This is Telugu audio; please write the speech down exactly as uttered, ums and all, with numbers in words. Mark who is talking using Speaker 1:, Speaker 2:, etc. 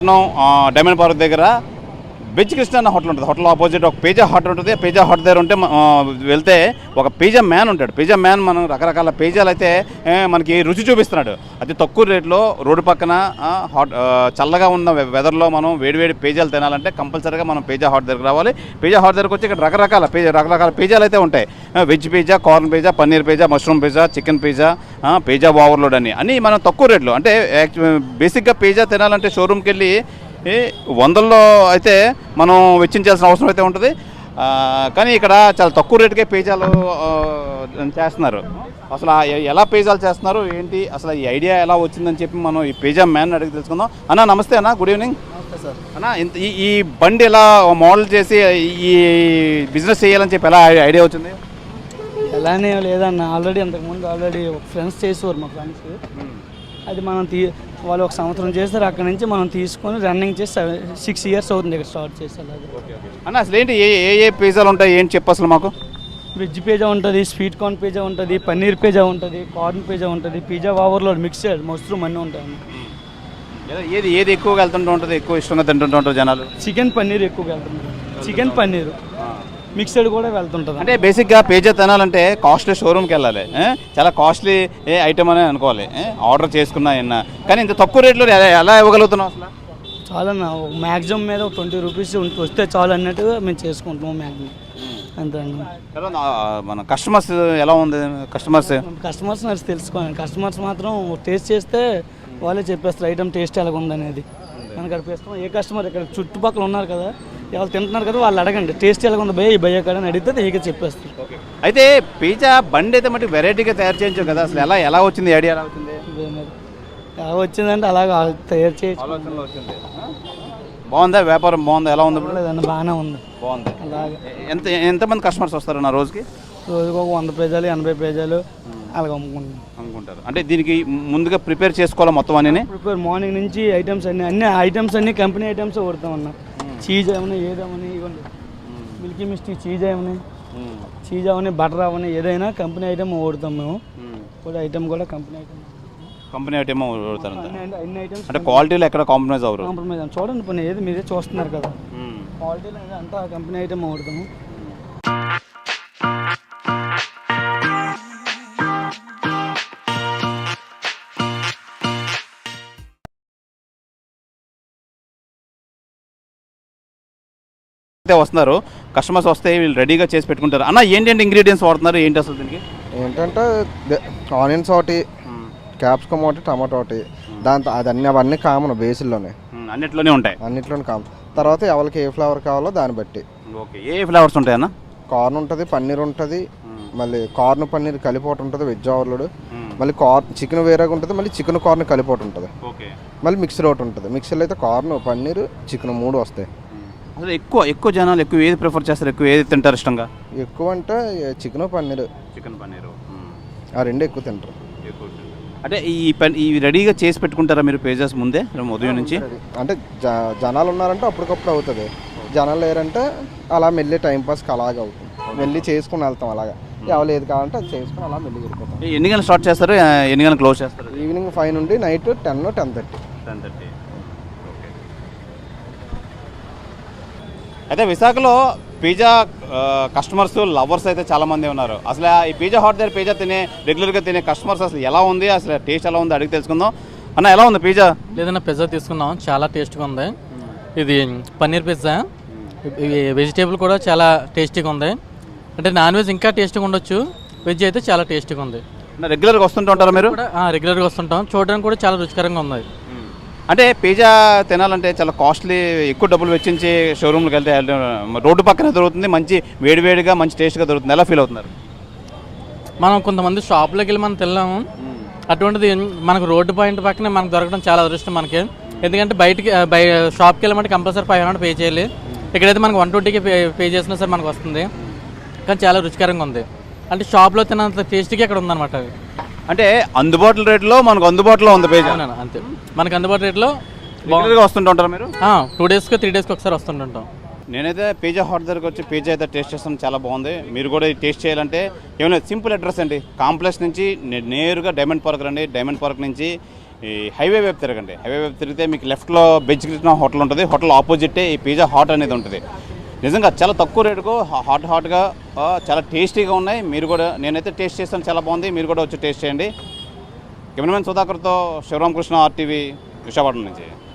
Speaker 1: డైమండ్ పార్క్ దగ్గర వెజ్ కృష్ణ అన్న హోటల్ ఉంటుంది. హోటల్ ఆపోజిట్ ఒక పిజ్జా హట్ ఉంటుంది. పిజ్జా హట్ దగ్గర ఉంటే వెళ్తే ఒక పిజ్జా మ్యాన్ ఉంటాడు. పిజ్జా మ్యాన్ మనం రకరకాల పిజ్జాలు అయితే మనకి రుచి చూపిస్తున్నాడు. అతి తక్కువ రేట్లో రోడ్డు పక్కన హాట్ చల్లగా ఉన్న వెదర్లో మనం వేడివేడి పిజ్జాలు తినాలంటే కంపల్సరీగా మనం పిజ్జా హట్ దగ్గర రావాలి. పిజ్జా హట్ దగ్గరకు వచ్చి ఇక్కడ రకరకాల పిజ్జా రకరకాల పిజ్జాలు అయితే ఉంటాయి. Veg pizza, corn pizza, paneer pizza, mushroom pizza, chicken pizza, pizza overload అని అన్నీ మనం తక్కువ రేట్లో అంటే బేసిక్గా పిజ్జా తినాలంటే షోరూమ్కి వెళ్ళి వందల్లో అయితే మనం వెచ్చించాల్సిన అవసరం అయితే ఉంటుంది. కానీ ఇక్కడ చాలా తక్కువ రేటుకే పిజ్జాలు చేస్తున్నారు. అసలు ఎలా పిజ్జాలు చేస్తున్నారు ఏంటి, అసలు ఈ ఐడియా ఎలా వచ్చిందని చెప్పి మనం ఈ పిజ్జా మ్యాన్ అడిగి తెలుసుకుందాం. అన్న నమస్తే అన్న, గుడ్ ఈవినింగ్.
Speaker 2: సార్
Speaker 1: అన్న, ఇంత ఈ ఈ బండి ఎలా మోడల్ చేసి ఈ బిజినెస్ చేయాలని చెప్పి ఎలా ఐడియా వచ్చింది?
Speaker 2: ఎలానే లేదన్న, ఆల్రెడీ అంతకుముందు ఆల్రెడీ ఫ్రెండ్స్ చేసేవారు మా ఫ్రెండ్స్. అది మనం తీ వాళ్ళు ఒక సంవత్సరం చేస్తారు. అక్కడ నుంచి మనం తీసుకొని రన్నింగ్ చేసి సిక్స్ ఇయర్స్ అవుతుంది ఇక్కడ స్టార్ట్ చేసి. అలాగే
Speaker 1: అన్న అసలు ఏంటి ఏ ఏ పిజ్జాలు ఉంటాయి ఏంటి చెప్పు అసలు మాకు?
Speaker 2: వెజ్ పిజ్జా ఉంటుంది, స్వీట్ కార్న్ పిజ్జా ఉంటుంది, పన్నీర్ పిజ్జా ఉంటుంది, కార్న్ పిజ్జా ఉంటుంది, పిజ్జా ఓవర్లోడ్ మిక్స్డ్ మష్రూమ్ అన్నీ ఉంటాయి.
Speaker 1: ఏది ఏది ఎక్కువగా వెళ్తుంటూ ఉంటుంది, ఎక్కువ ఇష్టంగా తింటుంటూ ఉంటారు జనాలు?
Speaker 2: చికెన్ పన్నీర్ ఎక్కువగా వెళ్తుంటారు. చికెన్ పన్నీర్ మిక్స్డ్ కూడా వెళ్తుంటుంది.
Speaker 1: అంటే బేసిక్గా పిజ్జా తినాలంటే కాస్ట్లీ షోరూమ్కి వెళ్ళాలి, చాలా కాస్ట్లీ ఏ ఐటమ్ అని అనుకోవాలి, ఆర్డర్ చేసుకున్నా అయినా. కానీ ఇంత తక్కువ రేట్లో ఎలా ఇవ్వగలుగుతున్నాం అసలు?
Speaker 2: చాలా మ్యాక్సిమం మీద ట్వంటీ రూపీస్ వస్తే చాలు అన్నట్టుగా మేము చేసుకుంటున్నాం మ్యాక్సిమం. అంతే అండి.
Speaker 1: మన కస్టమర్స్ ఎలా ఉంది? కస్టమర్స్
Speaker 2: కస్టమర్స్ నాకు తెలుసుకోండి. కస్టమర్స్ మాత్రం టేస్ట్ చేస్తే వాళ్ళే చెప్పేస్తారు ఐటమ్ టేస్ట్ ఎలాగ ఉందనేది. మనకు అక్కడ పేస్తాం ఏ కస్టమర్ ఇక్కడ చుట్టుపక్కల ఉన్నారు కదా, ఎవరు తింటున్నారు కదా, వాళ్ళు అడగండి టేస్ట్ ఎలాగ ఉంది భయ ఈ భయ్య కాడ అని అడిగితే ఇక చెప్పేస్తారు.
Speaker 1: అయితే పిజ్జా బండి అయితే మట్టి వెరైటీగా తయారు చేయించాం కదా, అసలు ఎలా ఎలా వచ్చింది ఐడియా? ఎలా వచ్చింది?
Speaker 2: ఎలా వచ్చిందంటే అలాగ తయారు చేయించి
Speaker 1: ఆలోచనలో వచ్చింది. బాగుందా వ్యాపారం? బాగుందా? ఎలా ఉంది?
Speaker 2: లేదండి బాగానే ఉంది.
Speaker 1: బాగుంది.
Speaker 2: అలాగే
Speaker 1: ఎంత ఎంతమంది కస్టమర్స్ వస్తారు నా రోజుకి?
Speaker 2: రోజుకి ఒక వంద పేజాలు ఎనభై పేజాలు అలాగ అమ్ముకుంటాం
Speaker 1: అనుకుంటారు. అంటే దీనికి ముందుగా ప్రిపేర్ చేసుకోవాలి మొత్తం అన్నీ?
Speaker 2: ప్రిపేర్ మార్నింగ్ నుంచి ఐటమ్స్ అన్ని అన్ని ఐటమ్స్ అన్ని కంపెనీ ఐటమ్స్ కొడతాం అన్న. చీజ్ ఏమన్నా ఏదేమని ఇవ్వండి, మిల్కీ మిస్టీ చీజ్ ఏమని చీజ్ అవని బటర్ అవని ఏదైనా కంపెనీ ఐటమ్ ఓడతాం మేము. కూడా ఐటమ్ కూడా కంపెనీ ఐటమ్
Speaker 1: కంపెనీ ఐటమ్ ఓడతారు.
Speaker 2: అన్ని ఐటమ్స్
Speaker 1: అంటే క్వాలిటీలో ఎక్కడ కాంప్రమైజ్ అవ్వరు?
Speaker 2: కాంప్రమైజ్ చూడండి పని ఏది మీరే చూస్తున్నారు కదా, క్వాలిటీలో అంతా కంపెనీ ఐటమ్ ఓడతాము.
Speaker 1: వస్తున్నారు కస్టమర్స్ వస్తే వీళ్ళు రెడీగా చేసి పెట్టుకుంటారు. అన్న ఏంటంటే ఇంగ్రీడియంట్స్ వాడుతున్నారు ఏంటి అసలు దీనికి?
Speaker 3: ఏంటంటే ఆనియన్స్ ఒకటి, క్యాప్సికమ్ ఒకటి, టమాటో ఒకటి, దాంతో అది అన్ని అవన్నీ కామన్ బేసిల్లోనే
Speaker 1: అన్నిట్లోనే ఉంటాయి.
Speaker 3: అన్నిట్లోనే కామన్. తర్వాత ఎవరికి ఏ ఫ్లేవర్ కావాలో దాన్ని బట్టి.
Speaker 1: ఓకే, ఏ ఫ్లేవర్స్ ఉంటాయన్న?
Speaker 3: కార్న్ ఉంటుంది, పన్నీర్ ఉంటుంది, మళ్ళీ కార్న్ పన్నీర్ కలిపి ఒకటి ఉంటుంది వెజ్ ఓవర్లోడ్, మళ్ళీ కార్న్ చికెన్ వేరేగా ఉంటుంది, మళ్ళీ చికెన్ కార్న్ కలిపి ఒకటి ఉంటుంది, మళ్ళీ మిక్సర్ ఒకటి ఉంటుంది. మిక్సర్లో అయితే కార్న్ పన్నీర్ చికెన్ మూడు వస్తాయి.
Speaker 1: అసలు ఎక్కువ ఎక్కువ జనాలు ఎక్కువ ఏది ప్రిఫర్ చేస్తారు, ఎక్కువ ఏది తింటారు ఇష్టంగా?
Speaker 3: ఎక్కువ అంటే చికెన్ పన్నీర్.
Speaker 1: చికెన్ పన్నీర్
Speaker 3: ఆ రెండు ఎక్కువ తింటారు.
Speaker 1: అంటే ఈ పని ఈ రెడీగా చేసి పెట్టుకుంటారా మీరు పేజెస్ ముందే ఉదయం నుంచి?
Speaker 3: అంటే జ జనాలు ఉన్నారంటే అప్పటికప్పుడు అవుతుంది, జనాలు లేరంటే అలా మెల్లి టైంపాస్కి అలాగే అవుతుంది. మెల్లి చేసుకుని వెళ్తాం అలాగా. ఎవరు ఏది కావాలంటే అది చేసుకుని అలా మెల్లి వెళ్ళిపోతాం.
Speaker 1: ఎన్ని గంటలు స్టార్ట్ చేస్తారు, ఎన్ని గంటలు క్లోజ్ చేస్తారు?
Speaker 3: ఈవినింగ్ ఫైవ్ నుండి night ten ten thirty
Speaker 1: ten thirty అయితే విశాఖలో పిజ్జా కస్టమర్స్ లవర్స్ అయితే చాలామంది ఉన్నారు. అసలు ఈ పిజ్జా హాట్ దగ్గర పిజ్జా తినే రెగ్యులర్గా తినే కస్టమర్స్ అసలు ఎలా ఉంది, అసలు టేస్ట్ ఎలా ఉంది అడిగి తెలుసుకుందాం. అన్న ఎలా ఉంది పిజ్జా?
Speaker 4: లేదన్నా పిజ్జా తీసుకున్నాం, చాలా టేస్ట్గా ఉంది. ఇది పన్నీర్ పిజ్జా, వెజిటేబుల్ కూడా చాలా టేస్టీగా ఉంది. అంటే నాన్ వెజ్ ఇంకా టేస్టీగా ఉండొచ్చు, వెజ్ అయితే చాలా టేస్టీగా ఉంది.
Speaker 1: రెగ్యులర్గా వస్తుంటూ ఉంటారా మీరు?
Speaker 4: రెగ్యులర్గా వస్తుంటాం, చూడడానికి కూడా చాలా రుచికరంగా ఉంది.
Speaker 1: అంటే పిజ్జా తినాలంటే చాలా కాస్ట్లీ, ఎక్కువ డబ్బులు వెచ్చించి షోరూమ్కి వెళ్తే రోడ్డు పక్కనే దొరుకుతుంది, మంచి వేడివేడిగా మంచి టేస్ట్గా దొరుకుతుంది. ఎలా ఫీల్ అవుతున్నారు?
Speaker 4: మనం కొంతమంది షాప్లోకి వెళ్ళి మనం తిన్నాము, అటువంటిది మనకు రోడ్డు పాయింట్ పక్కనే మనకు దొరకడం చాలా అదృష్టం మనకి. ఎందుకంటే బయటికి బయ షాప్కి వెళ్ళమంటే కంపల్సరీ ఫైవ్ హండ్రెడ్ పే చేయాలి, ఇక్కడైతే మనకు వన్ ట్వంటీకి పే పే చేసినా సరే మనకు వస్తుంది. కానీ చాలా రుచికరంగా ఉంది, అంటే షాప్లో తిన్నంత టేస్ట్గా ఇక్కడ ఉందన్నమాట. అవి
Speaker 1: అంటే అందుబాటులో రేట్లో మనకు అందుబాటులో ఉంది పిజ్జా.
Speaker 4: అంతే, మనకు అందుబాటు రేట్లో
Speaker 1: రెగ్యులర్గా వస్తుంటారా మీరు?
Speaker 4: టూ డేస్కి త్రీ డేస్కి ఒకసారి వస్తుంటుంటాం.
Speaker 1: నేనైతే పిజ్జా హాట్ దగ్గరకు వచ్చి పిజ్జా అయితే టేస్ట్ చేస్తాను, చాలా బాగుంది. మీరు కూడా టేస్ట్ చేయాలంటే ఏమైనా సింపుల్ అడ్రస్ అండి, కాంప్లెక్స్ నుంచి నేరుగా డైమండ్ పార్క్ రండి. డైమండ్ పార్క్ నుంచి ఈ హైవే వైపు తిరగండి. హైవే వైపు తిరిగితే మీకు లెఫ్ట్లో బెజ్ కృష్ణ హోటల్ ఉంటుంది. హోటల్ ఆపోజిటే ఈ పిజ్జా హాట్ అనేది ఉంటుంది. నిజంగా చాలా తక్కువ రేటుకు హాట్ హాట్గా చాలా టేస్టీగా ఉన్నాయి. మీరు కూడా, నేనైతే టేస్ట్ చేస్తాను, చాలా బాగుంది. మీరు కూడా వచ్చి టేస్ట్ చేయండి. కెమెరామెన్ సుధాకర్తో శివరామకృష్ణ, ఆర్టీవీ, విశాఖపట్నం నుంచి.